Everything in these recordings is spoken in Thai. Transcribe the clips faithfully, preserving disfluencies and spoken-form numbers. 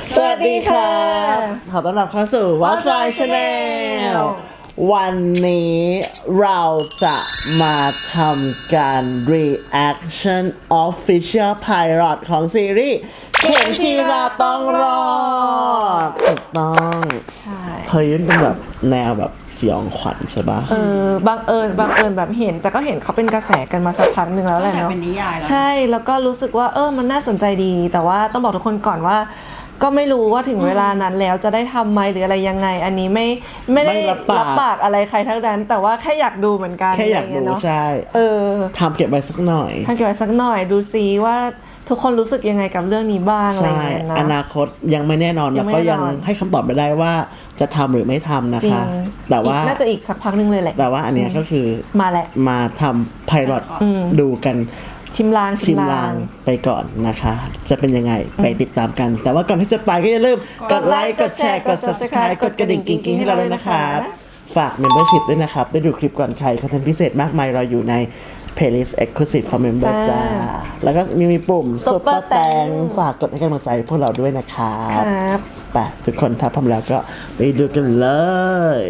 สวัสดีครับขอต้อนรับเข้าสู่ What's My Channel วันนี้เราจะมาทำการ reaction official pilot ของซีรีส์เข็มจีราต้องรอดถูกต้องใช่เฮ้ยเป็นแบบแนวแบบสยองขวัญใช่ปะเออบังเอิญบังเอิญแบบเห็นแต่ก็เห็นเขาเป็นกระแสกันมาสักพักหนึ่งแล้วแหละเนาะใช่แล้วก็รู้สึกว่าเออมันน่าสนใจดีแต่ว่าต้องบอกทุกคนก่อนว่าก็ไม่รู้ว่าถึงเวลานั้นแล้วจะได้ทำไหมหรืออะไรยังไงอันนี้ไม่ไม่ได้รับปากอะไรใครทั้งนั้นแต่ว่าแค่อยากดูเหมือนกันแค่อยากดูใช่เออทำเก็บไว้สักหน่อยทำเก็บไว้สักหน่อยดูซิว่าทุกคนรู้สึกยังไงกับเรื่องนี้บ้างอะไรอย่างเงี้ยนะอนาคตยังไม่แน่นอนแล้วก็ยังให้คำตอบไม่ได้ว่าจะทำหรือไม่ทำนะคะแต่ว่าน่าจะอีกสักพักนึงเลยแหละแต่ว่าอันนี้ก็คือมาแหละมาทำไพลอตดูกันชิมลางชิมลางไปก่อนนะคะจะเป็นยังไงไปติดตามกันแต่ว่าก่อนที่จะไปก็อย่าลืมกดไลค์กดแชร์กด ซับสไครบ์ กดกระดิ่งกิ๊งๆให้เราด้วยนะครับฝาก membership ด้วยนะครับได้ดูคลิปก่อนใครคอนเทนต์พิเศษมากมายเราอยู่ใน playlist exclusive for member จ้าแล้วก็มีมีปุ่ม super แตงฝากกดให้กำลังใจพวกเราด้วยนะครับไปทุกคนถ้าพร้อมแล้วก็ไปดูกันเลย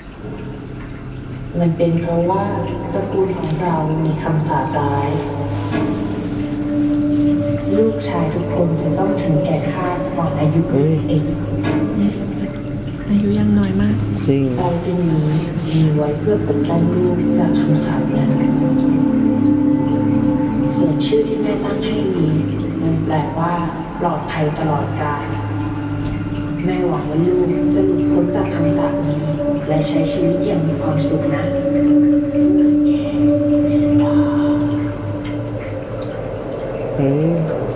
มันเป็นเพราะว่าตระกูลของเรามีคำสาปร้ายลูกชายทุกคนจะต้องถึงแก่คาดก่อนอายุยี่สิบเอ็ดอายุยังน้อยมากจริงสร้อยเส้นนี้มีไว้เพื่อปกป้องลูกจากคำสาปนั้นส่วนชื่อที่แม่ตั้งให้นี้มันแปลว่าปลอดภัยตลอดกาลแม่หวังว่าลูกจะหลุดพ้นจากคำสาปนี้และใช้ชีวิตอย่างมีความสุขนะเฮ้ย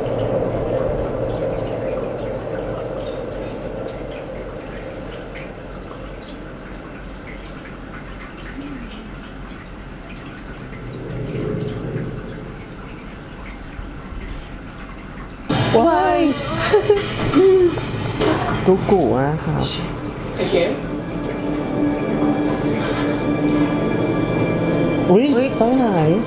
ว้ายกุ๊กกู่อะครับไอ้เข็มอุ้ยสร้อยหาย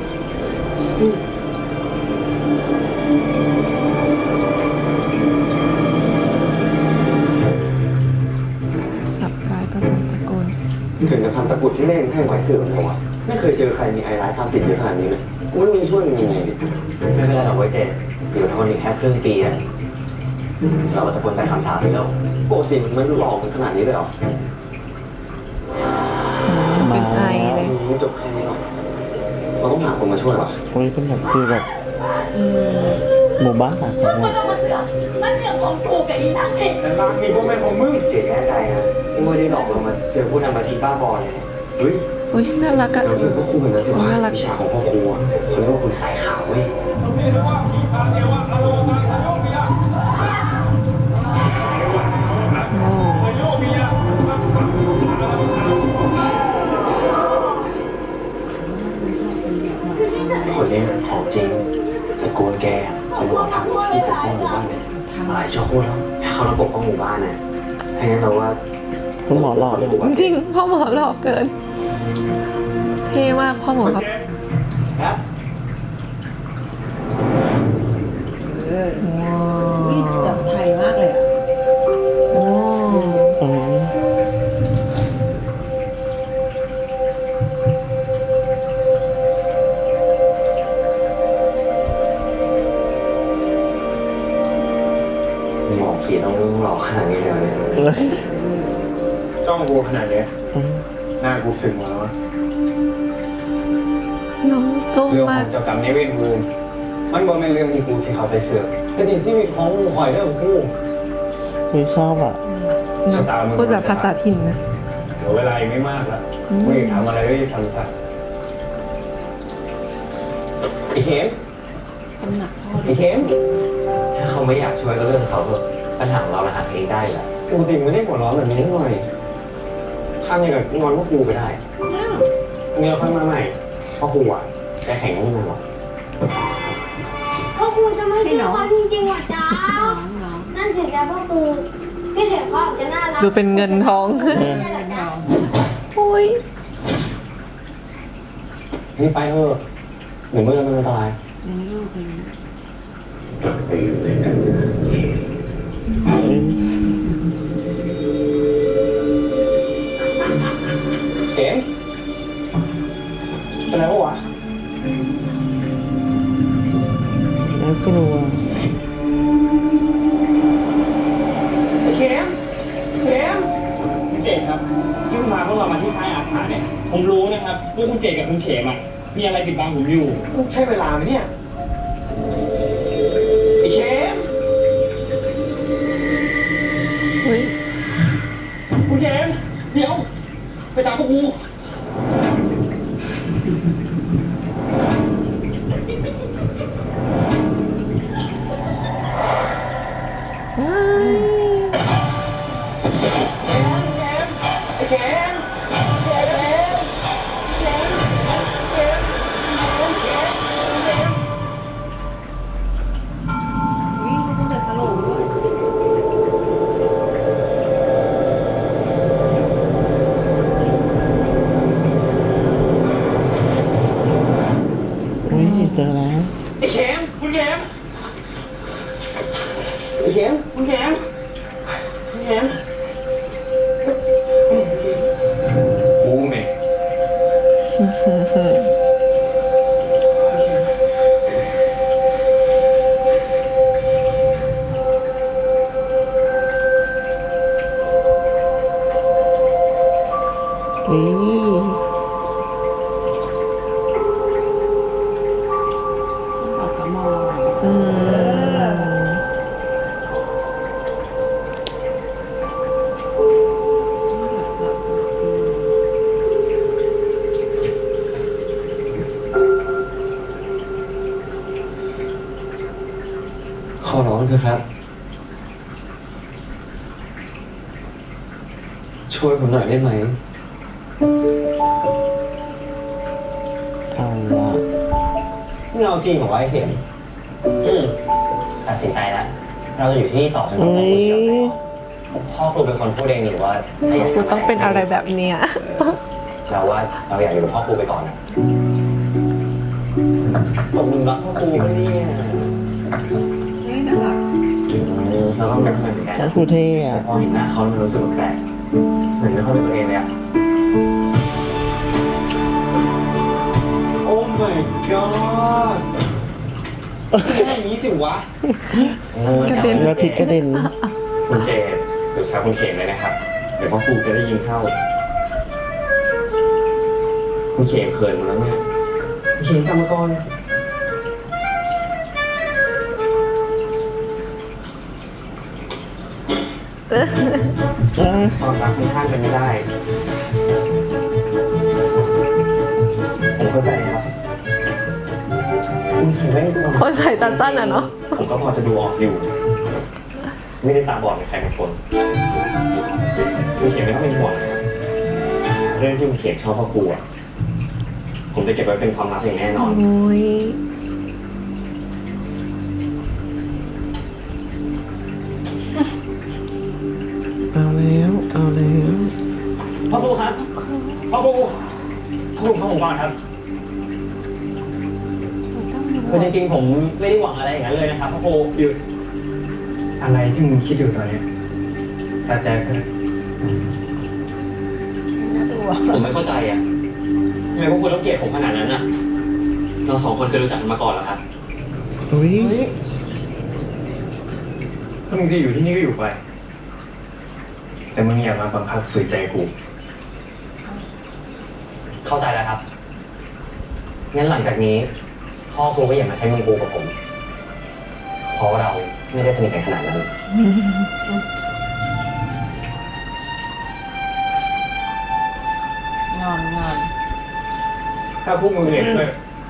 สับร้ายประจำตระกูลถึงจะทำตะกุดที่เล่นให้ไว้เสื่อมเลยวะไม่เคยเจอใครมีไฮไลท์ตามติดเยอะขนาดนี้เลยกูไม่รู้จะช่วยมันยังไงดิไม่เป็นไรหรอกเว้ยเจเดี๋ยวทนอีกแค่ครึ่งปีอะเราก็จะพ้นจากคำสาปไปแล้วปกติมันหลอกมันขนาดนี้เลยเหรอเป็นไอเลยไม่จบแค่นี้หรอกเราต้องหาคนมาช่วยว่ะโอ้ยเป็นแบบคือแบบหมู่บ้านต่างจังหวัดมันเรื่องของกูกับอีนักเองแต่บางทีพวกแม่ของมึงเจ๋งแน่ใจนะไม่ได้หลอกเรามาเจอผู้นำมาทีบ้าบอลเลยเฮ้ยโอ้ยน่ารักอะเราเป็นพวกครูเหมือนกันสิวะวิชาของพ่อครูเขาเรียกว่าคุณสายขาวเว้ยคนนี้ของจริงตระกูลแกเป็นหลวงทำที่ปกป้องหมู่บ้านเลยหลายชั่วโคตรแล้วเขาระปกป้องหมู่บ้านนะให้งั้นเราว่าพ่อหมอหล่อเลยจริงพ่อหมอหล่อเกินเท่มากพ่อหมอครับเออนี่แบบไทยมากเลยอ่ะโอ้หมอขีดต้องหลอกขนาดนี้เลยเนี่ยจ้องกูขนาดนี้หน้ากูสึงแล้วน้องจุ้มเรื่องขมาอก งเจ้ากรรมนายเวรกูมันบ่เป็นเรื่องที่กูที่เขาไปเสือกแต่ดีชีวิตของหอยเรื่องกูไม่ชอบอ่ะพูดแบบภาษาถิ่นนะเดี๋ยวเวลาอีกไม่มากละกูอยากทำอะไรก็จะทำซะไอ้เข็มไอ้เข็มถ้าเขาไม่อยากช่วยก็เรื่องเขาเถอะปัญหาเราเราหาเองได้แหละปกติไม่ได้หัวร้อนแบบนี้หน่อยทำอย่างกับงอนพวกครูไปได้เมียค่อยมาใหม่พ่อครูอ่ะจะแข่งกับมันหรอพ่อครูจะไม่เชื่อเขาจริงๆหรอจ๊ะนั่นสิจ๊ะพ่อครูพี่เข็มเขาจะน่ารักดูเป็นเงินทองไม่ใช่หรอจ๊ะโอ้ยนี่ไปเถอะเดี๋ยวเมื่อมันอันตรายโอ้โหเข็มเป็นไรวะน่ากลัวไอ้เข็มเข็มคุณเจดครับที่คุณพาพวกเรามาที่ค่ายอาสาเนี่ย ผมรู้นะครับว่าคุณเจดกับคุณเขมอ่ะมีอะไรปิดบังผมอยู่ใช่เวลาไหมเนี่ยไอ้เข็มเฮ้ยคุณเขมเดี๋ยว ไปตามพวกกูว้ายไอ้เข็มอุ้ยเจอแล้วไอ้เขมคุณเขมไอ้เข็มคุณเขมคุณเขมกูเมย์อุ้ยอืมขอร้องเถอะครับ ช่วยผมหน่อยได้ไหมเอาละเงาจริงของไอ้เข็มอืมตัดสินใจแล้ว เราจะอยู่ที่นี่ต่อจนกว่าอุ้พ่อครูยจะยอมใจอ่อนพ่อครูเป็นคนพูดเองนี่ว่าถ้าอยากกูต้องเป็นอะไรแบบเนี้ยเราว่าเราอยากอยู่กับพ่อครูไปก่อนนะผมรักพ่อครูไม่ได้เนี่ยอืมเราต้องรู้เหมือนกันแล้วครูเท่แต่อะพอเห็นหน้าเขามันรู้สึกแปลกเหมือนไม่ค่อยเป็นตัวเองเลยอะโอ้ my god แค่นี้สิวะกระเด็นแล้วพริกกระเด็นคุณเจดหรือแซวคุณเขมเลยนะครับ เดี๋ยวพ่อครูจะได้ยินเข้า คุณเขมเขินหมดแล้วเนี่ยเขียนกรรมกรอ่ะความรักค่อนข้างเป็นไม่ได้ ผมเข้าใจครับคุณใส่แว่นก่อนคนใส่ตาสั้นอ่ะเนาะผมก็พอจะดูออกอยู่ ไม่ได้ตาบอดเหมือนใครบางคนคุณเขียนไม่ต้องเป็นห่วงนะครับ เรื่องที่คุณเขียนชอบพ่อครูอะผมจะเก็บไว้เป็นความลับอย่างแน่นอนโอ้ยเอาแล้วเอาแล้วพ่อครูครับ พ่อครูพ่อครูพ่อผมก่อนครับ คือจริงๆผมไม่ได้หวังอะไรอย่างนั้นเลยนะครับพ่อครูหยุดอะไรที่มึงคิดอยู่ตอนนี้ตัดใจซะผมไม่เข้าใจอ่ะทำไมพวกคุณต้องเกลียดผมขนาดนั้นอ่ะ เราสองคนเคยรู้จักกันมาก่อนเหรอครับอุ้ยถ้ามึงจะอยู่ที่นี่ก็อยู่ไป แต่มึงอย่ามาบังคับฝืนใจกูเข้าใจแล้วครับ งั้นหลังจากนี้ พ่อครูก็อย่ามาใช้มือครูกับผม เพราะว่าเราไม่ได้สนิทกันขนาดนั้นงอนงอนถ้าพวกมึงเนี่ยช่วย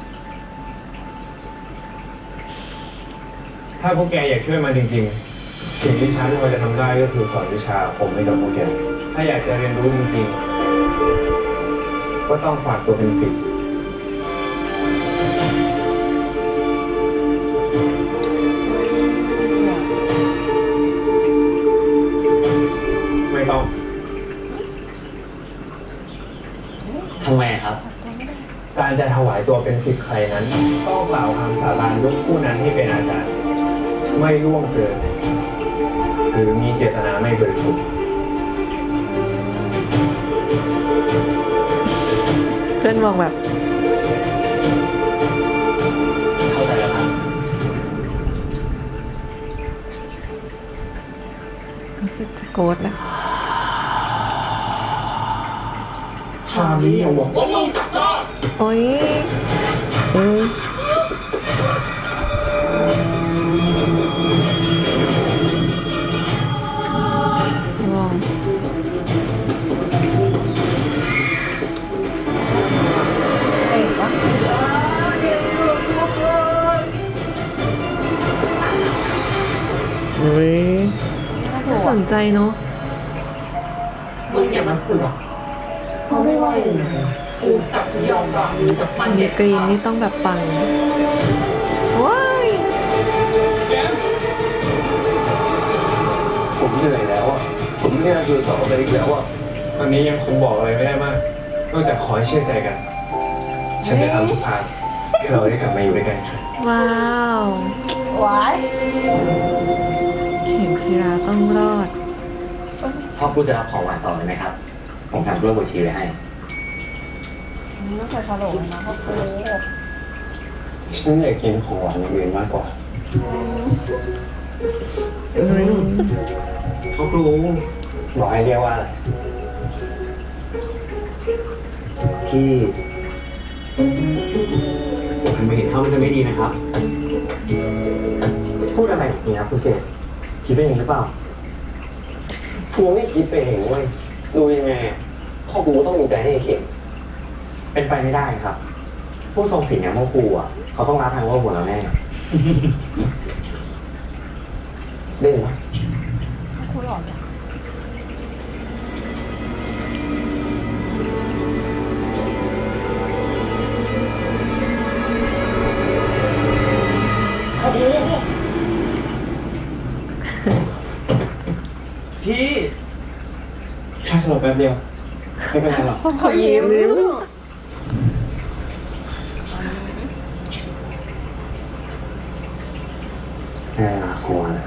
ถ้าพวกแกอยากช่วยมันจริงๆ สิ่งที่ฉันพอจะทำได้ก็คือสอนวิชาผมให้กับพวกแก ถ้าอยากจะเรียนรู้จริงๆ ก็ต้องฝากตัวเป็นศิษย์ไม่ต้องทำไมครับการจะถวายตัวเป็นศิษย์ใครนั้นต้องกล่าวคำสาบานยกผู้นั้นให้เป็นอาจารย์ ไม่ล่วงเกินหรือมีเจตนาไม่บริสุทธิ์เพื่อนมองแบบเข้าใจแล้วครับรู้สึกจะโกรธนะทางนี้ยังบอกว่ามึงจับได้โอ้ยเอ้ยว้าวเก่งปะอุ้ยน่าสนใจเนาะมึงอย่ามาเสือกเพราะไม่ว่ายังไงกูจะไม่ยอมวางมือจากมันเนกรีนนี่ต้องแบบปังว้ายผมเหนื่อยแล้วอ่ะผมไม่อยากอยู่ต่อไปอีกแล้วอ่ะตอนนี้ยังคงบอกอะไรไม่ได้มากนอกจากขอให้เชื่อใจกัน ฉันจะทำทุกทางให้เราได้กลับมาอยู่ด้วยกันครับว้าวหวายเข็มธีราต้องรอดพ่อครูจะรับของหวานต่อเลยไหมครับ ผมทำกล้วยบวชชีไว้ให้ไม่เคยสลบนะพ่อครูฉันอยากกินของหวานอย่างอื่นมากกว่าพ่อครูบอกให้เรียกว่าอะไรพี่ทำไปเห็นเขามันจะไม่ดีนะครับพูดอะไรอย่างนี้ครับคุณเจตคิดไปเองหรือเปล่าพวงไม่คิดไปเองเว้ยดูยังไงอะพ่อกูต้องมีใจให้เข็มเป็นไปไม่ได้ครับ ผู้ทรงศีลอย่างพ่อครูอ่ะเขาต้องรับทางว่าหัวเราแน่เล่นไหมพ่อครูหล่อจังพี่แค่สลบแป๊บเดียว ไม่เป็นไรหรอกเขายิ้มเออครัวนะ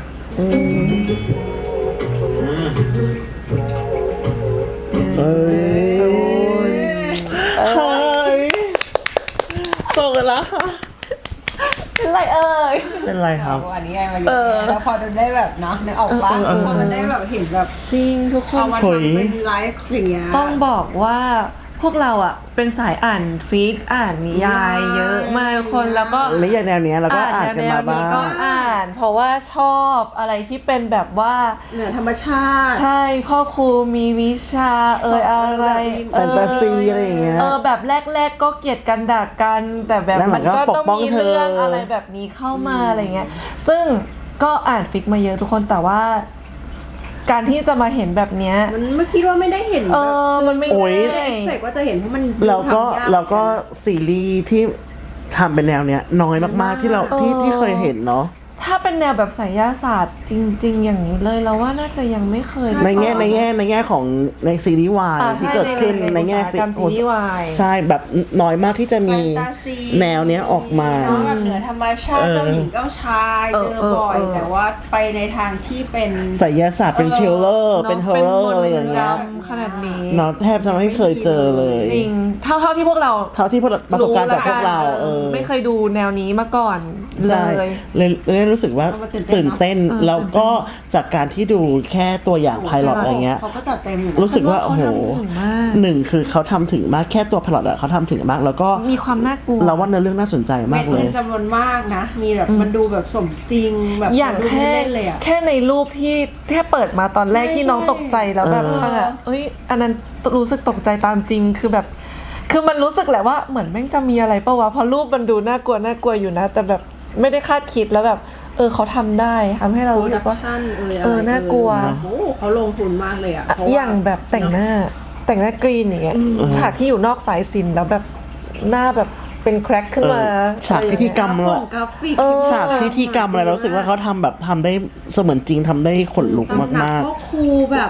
เอ้ยเฮ้ยส่งกันแล้วค่ะเป็นไรเอ่ยเป็นไรครับอันนี้ไงมาอยู่เนี่ยแล้วพอมันได้แบบเนาะนึกออกปะพอมันได้แบบเห็นแบบจริงทุกคนเอามาทำเป็นไลฟ์อย่างเงี้ยต้องบอกว่าพวกเราอ่ะเป็นสายอ่านฟิกอ่านนิยายเยอะมากทุกคนแล้วก็และอย่างแนวเนี้ยเราก็อ่านกันแนมาว บ้านี้ก็งอ่าน เพราะว่าชอบอะไรที่เป็นแบบว่าเหนือธรรมชาติใช่พ่อครูมีวิชาเอ่ยอะไรแฟนตาซีอะไรอย่างเงี้ยเออแบบแรก ๆ ก็เกลียดกันด่ากันแต่แบบแล้วหลัมันงก็ก็ปกต้องป้องมีเธอเรื่องอะไรแบบนี้เข้ามาอะไรเงี้ยซึ่งก็อ่านฟิกมาเยอะทุกคนแต่ว่า การที่จะมาเห็นแบบเนี้ยมันไม่คิดว่าไม่ได้เห็นเออมันไม่โอ้ยง่ายเอ็กซ์เพว่าจะเห็นเพราะมันแล้วก็ทำยาแล้วก็ซีรีส์ที่ทำเป็นแนวเนี้ยน้อยมากๆที่เราที่ที่เคยเห็นเนาะถ้าเป็นแนวแบบไสยศาสตร์จริง ๆ อย่างนี้เลยเราว่าน่าจะยังไม่เคยในแง่ในแง่ในแง่ของในซีรีส์วายอ่าที่ใช่เกิดขึ้นในแง่อุตสาหกรรมซีรีส์วายใช่แบบน้อยมากที่จะมีแฟนตาซีแนวเนี้ยออกมาเนอะแบบเหนือธรรมชาติเออเจ้าหญิงเจ้าชายเอเจออเออบ่อยเออแต่ว่าไปในทางที่เป็นไสยศาสตร์เป็นเออเทรลเลอร์เนอะเป็นฮอร์เรอร์อะไรอย่างเงี้ยป็นมนต์ดำขนาดนี้เนาะแทบจะไม่เคยเจอเลยจริงเท่าเท่าที่พวกเราเท่าที่ประสบการณ์จากพวกเราละนเออไม่เคยดูแนวนี้มาก่อนเลใช่ยเลยเลยรู้สึกว่าเอามาตื่นเต้นตื่นเต้นเนอะแล้วก็จากการที่ดูแค่ตัวอย่างไพลอตอะไรเงี้ยเขาก็จัดเต็มอยู่นะรู้สึกว่าโอ้โหเขาทำถึงมากหนึ่งคือเขาทำถึงมากแค่ตัวพลอตอะเขาทำถึงมาก แล้วก็มีความน่ากลัวเราว่าเนื้อเรื่องน่าสนใจมากเลเม็ดยเงินจำนวนมากนะ มีแบบมันดูแบบสมจริงแบบอย่างดูแค่เล่นๆเลยอ่ะแค่ในรูปที่แค่เปิดมาตอนแรกใช่ที่น้องใช่ตกใจแล้วแบบเออฟังอะเอ้ยอันนั้นรู้สึกตกใจตามจริงคือแบบ คือมันรู้สึกแหละว่าเหมือนแม่งจะมีอะไรปะวะเพราะรูปมันดูน่ากลัวน่ากลัวอยู่นะ แต่แบบไม่ได้คาดคิดแล้วแบบ เออเขาทำได้ทำให้เราโปรรู้สึดักกว่าชั่นเอยอะไรเออน่ากลัวเอยโอ้โหเขาลงทุนมากเลยอ่ะเพระว่อย่างแบบแต่งหน้าแต่งหน้ากรีนอย่างเงี้ยฉากที่อยู่นอกสายสิญจน์แล้วแบบหน้าแบบเป็นแครกขึ้นมาเออฉากพิธีกรรมกเรากราฟิกเออฉากพิธีกรรมอะไรเรารู้สึกว่าเขาทำแบบทำได้เสมือนจริงทำได้ขนลุกตำหนัมากพ่อครูแบบเอ้ย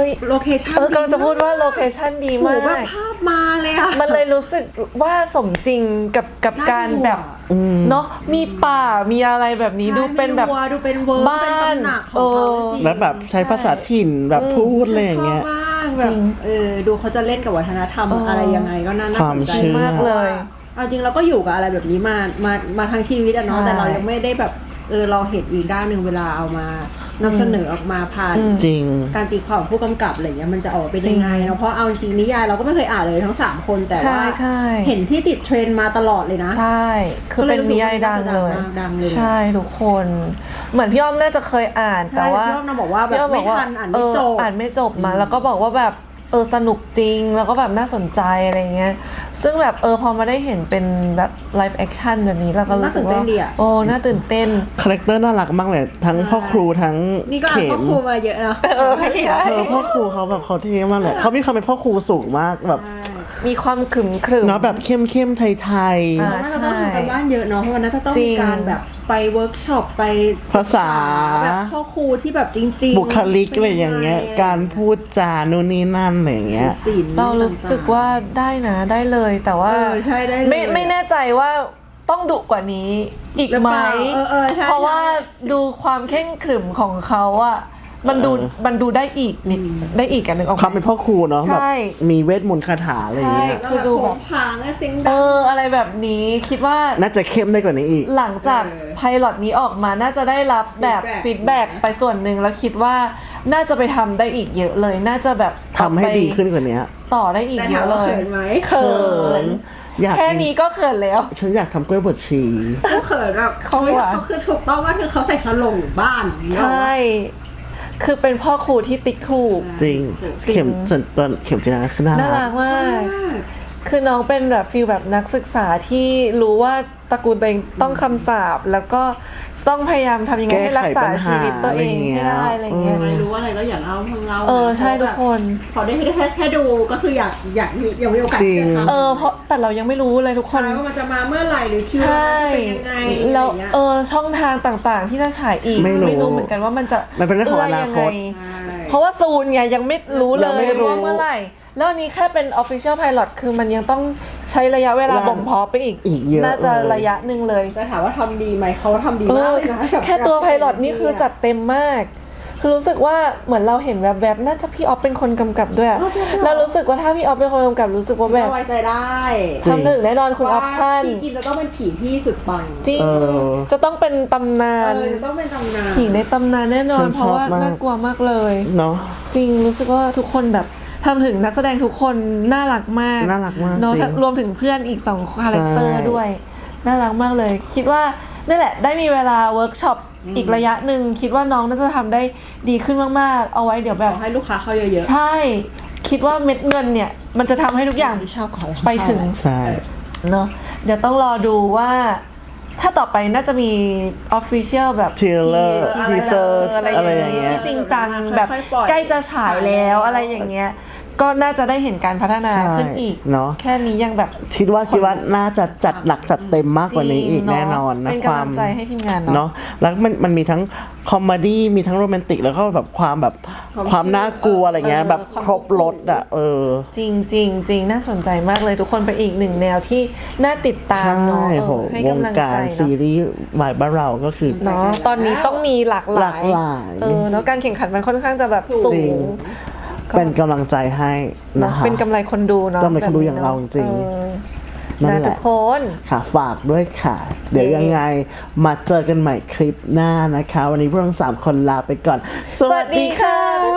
อ้ยโลเคชั่นเออกำลังจะพูดว่าโลเคชั่นดีโหมากแบบภาพมาเลยอะมันเลยรู้สึกว่าสมจริงกับกับน่าการดูอะแบบเนาะมีป่ามีอะไรแบบนี้ดูเป็นแบบใช่มีวัวดูเป็นเวิร์กบ้านเป็นตำหนักของเขาจริงแล้วแบบใช้ภาษาถิ่นแบบพูดอะไรอย่างเงี้ยชอบมากแบบเออดูเขาจะเล่นกับวัฒนธรรมเออออะไรยังไงก็น่าความสนใจเชื่อมากเลยเอาจริงเราก็อยู่กับอะไรแบบนี้มามามาทั้งชีวิตอะเนาะใช่แต่เรายังไม่ได้แบบเออเราเห็นอีกด้านหนึ่งเวลาเอามานำเสนอออกมาผ่านจริงการตีความของผู้กำกับอะไรเงี้ยมันจะออกมาเป็นยังไงเนาะเพราะเอาจริงนิยายเราก็ไม่เคยอ่านเลยทั้งสามคนแต่ใช่ว่าใช่เห็นที่ติดเทรนด์มาตลอดเลยนะใช่ คือเป็นนิยายดังเลยดังเลยใช่ทุกคน เหมือนพี่อ้อมน่าจะเคยอ่านใช่แต่ว่าพี่อ้อมน่ะบอกว่าแบบพี่อ้อไม่ทันอ่านไม่จบเอ่านไม่จบมา แล้วก็บอกว่าแบบเออสนุกจริงแล้วก็แบบน่าสนใจอะไรเงี้ยซึ่งแบบเออพอมาได้เห็นเป็นแบบไลฟ์แอคชั่นแบบนี้แล้วก็รู้สึกว่าโอ้น่าตื่นเต้นคาแรคเตอร์น่ารักมากเลยทั้งพ่อครูทั้งนี่ก็อ่านเข็พ่อมครูมาเยอะเนาะเออไม่เห็นใช่เออพ่อครูเขาแบบเขาเท่มากเลยเขามีความเป็นพ่อครูสูงมากแบบมีความขรึมขรึมเนาะแบบเข้มเข้มๆไทยอ่าน่าจะต้องทำกันบ้านเยอะเนาะเพราะว่าน่าจะต้องจริมีงการแบบไปเวิร์กช็อปไปศึกษภาษาแบบพ่อครูที่แบบจริงๆๆบุคลิกอะไรอย่างเงี้ย การพูดจานู่นนี่นั่นอะไรอย่างเงี้ยศีลเรารู้สึกว่าได้นะได้เลยแต่ว่าเออใช่ได้เลยไม่ไม่แน่ใจว่าต้องดุกว่านี้อีกหรือไหมเปล่าเออเออใช่เพราะว่าดูความเข่งขรึมของเขาอะมันดูเออมันดูได้อีกนิดได้อีกอันหนึ่งออกความเป็นพ่อครูเนาะใช่แบบมีเวทมนต์คาถาอะไรอย่างเงี้ยก็คือแบบดูโผแบบงผางและเสียงเอดังออะไรแบบนี้คิดว่าน่าจะเข้มได้กว่านี้อีกหลังจากเออไพลอตนี้ออกมาน่าจะได้รับแบบฟีดแบ็ก feedback ไปส่วนหนึ่งแล้วคิดว่าน่าจะไปทำได้อีกเยอะเลย น่าจะแบบทำให้ดีขึ้นกว่านี้ต่อได้อีกแต่เยถามอะเลว่าย เขินไหมเขินอยากแค่นี้ก็เขินแล้วฉันอยากทำกล้วยบดชีเขาเขินแบบเขาเขาหวานเขาคือถูกต้องว่าคือเขาใส่สลงอยู่บ้านอย่างเงี้ยใช่ คือเป็นพ่อครูที่ติ๊กถูกจริงจริงเข็มส่วนตัวเข็มจีนาคือน่าน่ารัรักกมาก คือน้องเป็นแบบฟีลแบบนักศึกษาที่รู้ว่าตระกูลตัวเองต้องคำสาปแล้วก็ต้องพยายามทำยังไงให้รักษาชีวิตตัวเองให้ได้อะไรเงี้ยใครรู้อะไรก็อย่าเล่าเพิ่งเล่าเออใช่ทุกคนพอได้แค่แค่ดูก็คืออยากอยากมีอยากมีโอกาสจริงที่จะทำเออเพราะแต่เรายังไม่รู้เลยทุกคนใช่ว่ามันจะมาเมื่อไหร่หรือคิวใช่มันจะเป็นยังไงแล้วอะไรอย่างเงี้ยเออช่องทางต่างๆ ที่จะฉายอีกไม่รู้เหมือนกันว่ามันจะมันเป็นเรื่องของอนาคตเยังไงใช่เพราะว่าซูนไงยังไม่รู้เลยังยไม่รู้ว่าเมื่อไหร่ แล้วอันนี้แค่เป็น official pilot คือมันยังต้องใช้ระยะเวลาเวลาบ่มเพาะไปอีกอีกเยอะน่าจะเลยระยะหนึ่งเลยแต่ถามว่าทำดีไหมเขาทำดีเอมากอเลยนะกับแค่ตัวกับไพลอตนี่คือจัดเต็มมาก คือรู้สึกว่าเหมือนเราเห็นแวบๆน่าจะพี่ออฟเป็นคนกำกับด้วยอะแล้วรู้สึกว่าถ้าพี่ออฟเป็นคนกำกับรู้สึกว่าแบบไว้ใจได้จริงทำถึงแน่นอนคุณออปชั่นว่าพี่กินจะต้องเป็นผีที่สุดปังจริงเออจะต้องเป็นตำนาเอน อจะต้องเป็นตำนานผีในตำนานแน่นอฉันนเพราะว่าชอบมากน่ากลัวมากเลยเนาะจริงรู้สึกว่าทุกคนแบบทำถึงนักแสดงทุกคนน่ารักมากน่ารักมากเนาะจริงรวมถึงเพื่อนอีกสองคาแรคเตอร์ใช่ด้วย น่ารักมากเลย คิดว่านี่แหละได้มีเวลาเวิร์กช็อปอีกระยะหนึ่งคิดว่าน้องน่าจะทำได้ดีขึ้นมากๆ เอาไว้เดี๋ยวแบขบอให้ลูกค้าเข้าเยอะใช่ คิดว่าเม็ดเงินเนี่ย มันจะทำให้ทุกอย่างๆที่ชอบของไปถึงใช่เนาะเดี๋ยวต้องรอดูว่า ถ้าต่อไปน่าจะมี official แบบ Trailer ที่ teaser อะไรอะไรอย่างเงี้ยที่จริงจังแบบใกล้จะฉายแล้วอะไรอย่างเงี้ย ก็น่าจะได้เห็นการพัฒนาใช่ขึ้นอีกเนาะแค่นี้ยังแบบคิดว่าคิดว่าน่าจะจัดหนักจัดเต็มมากกว่านี้อีกจริงแน่นอนนะเป็นควากำลัมงใจให้ทีมงานเนาะเนาะแล้วมันมันมีทั้งคอมเมดี้มีทั้งโรแมนติกแล้วก็แบบความแบบความน่ากลัวอะไรเงี้ยเออแบบความครบรถอ่ะเออจริงจริงจริงน่าสนใจมากเลยทุกคนเป็นอีกหนึ่งแนวที่น่าติดตามใช่เนาะเออโหให้วงกำลังการใจซีเนาะรีส์วายบ้านเราก็คือเนาะตอนนี้ต้องมีหลากหหลาลาย กหลายเออแล้วการแข่งขันมันค่อนข้างจะแบบสูจริงง เป็นกำลังใจให้เนนะอะคะเป็นกำไรคนดูเนาะกำไรคนดูอย่างเราจริงเออนั่นนะแหทุละกคนค่ะฝากด้วยค่ะ เดี๋ยวเย้ยังไงมาเจอกันใหม่คลิปหน้านะคะ วันนี้พวกเราทั้งสามคนลาไปก่อน สวัสดีค่ะบ๊าย